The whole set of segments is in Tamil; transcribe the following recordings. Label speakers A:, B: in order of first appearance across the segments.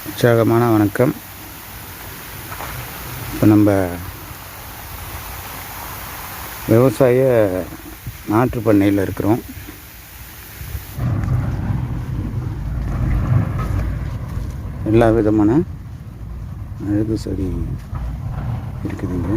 A: உற்சாகமான வணக்கம். இப்போ நம்ம விவசாய நாற்று பண்ணையில் இருக்கிறோம். எல்லா விதமான அழகு செடி இருக்குதுங்க.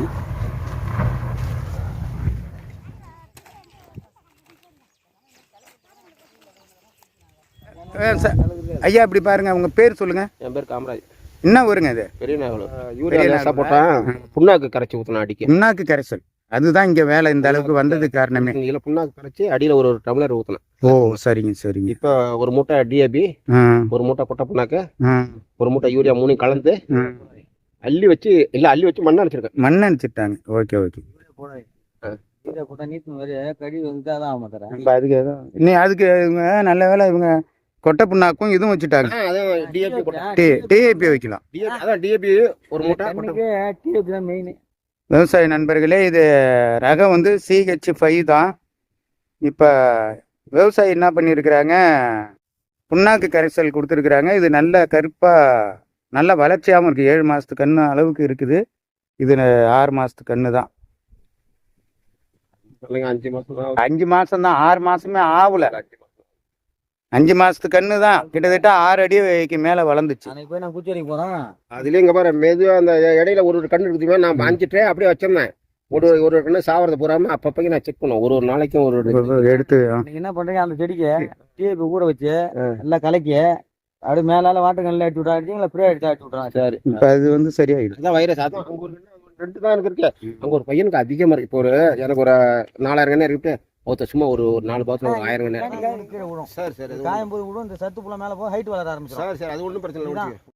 A: ஐயா இப்படி பாருங்க, உங்க பேர் சொல்லுங்க.
B: என் பேர் காமராஜ்.
A: என்ன ஊருங்க இது?
B: பெரிய நாகலூர். யூரியா லேசா போட்டா புண்ணாக்கு கரைச்சி ஊற்றினா அடிக்க.
A: புண்ணாக்கு கரைசல் அதுதான் இங்கே வேலை இந்த அளவுக்கு வந்தது காரணமே.
B: இதில் புண்ணாக்கு கரைச்சி அடியில் ஒரு டம்ளர் ஊற்றினேன்.
A: ஓ சரிங்க சரிங்க.
B: இப்போ ஒரு மூட்டை டிஏபி, ஒரு மூட்டை கொட்டை புண்ணாக்கு, ஒரு மூட்டை யூரியா 3 கலந்து அள்ளி வச்சு மண்ணை அடிச்சிருக்கேன்.
A: மண்ணை அடிச்சிட்டாங்க. Okay okay. அதுக்கு இவங்க நல்ல வேலை, இவங்க கொட்டை புண்ணாக்கும் இதுவும் வச்சுட்டாங்க. டிஏபி வைக்கலாம்.
B: டிஏபி ஒரு மூட்டை.
A: விவசாய நண்பர்களே, இது ரகம் வந்து CH5 தான். இப்போ விவசாயி என்ன பண்ணியிருக்கிறாங்க, புண்ணாக்கு கரைசல் கொடுத்துருக்குறாங்க. இது நல்ல கருப்பாக நல்ல வளர்ச்சியாகவும் இருக்குது. 7 மாதத்து கன்று அளவுக்கு இருக்குது. இது 6 மாதத்து கன்று தான். 5 மாதம் தான், 6 மாதமே ஆகல. 5 மாதத்து கன்று தான். கிட்டத்தட்ட 6 அடிக்கு மேலே வளர்ந்துச்சு.
B: போய் நான் பூச்சேரிக்கு போகிறேன். அதுலேயும் இங்கே பாரு மெதுவாக அந்த இடையில ஒரு கன்று இருக்குதுமே, நான் வாங்கிட்டு அப்படியே வச்சிருந்தேன். ஒரு கண்ணு சாவரத்தை போறாம அப்பப்போ நான் செக் பண்ணுவேன். ஒரு நாளைக்கும் ஒரு
A: எடுத்து
C: என்ன பண்றீங்க, அந்த செடிக்கு டிஏபி ஊற வச்சு எல்லாம் கலக்கி அப்படியே மேலால வாட்டர் அடிச்சு விட்டா ஃப்ரீ அடிச்சு விட்டுறாங்க.
B: சரி,
A: இப்போ அது வந்து சரியாயிடும்.
B: அதான் வைரஸ். அதான் அங்கே ஒரு 2 தான் எனக்கு இருக்கு. அங்கே ஒரு பையனுக்கு அதிகமாக இருக்கு. இப்போ எனக்கு ஒரு 4000 கண்ணே இருக்கு. ஒருத்தர் சும்மா ஒரு 4 பாத்திரம் 1000 கண்ணே.
C: சரி சரி, காயும் போது விடும். இந்த சத்து புள்ள மேல போய் ஹைட் வளர ஆரம்பிச்சிடும்.
B: சரி சரி, அது ஒன்றும் பிரச்சனை இல்லை.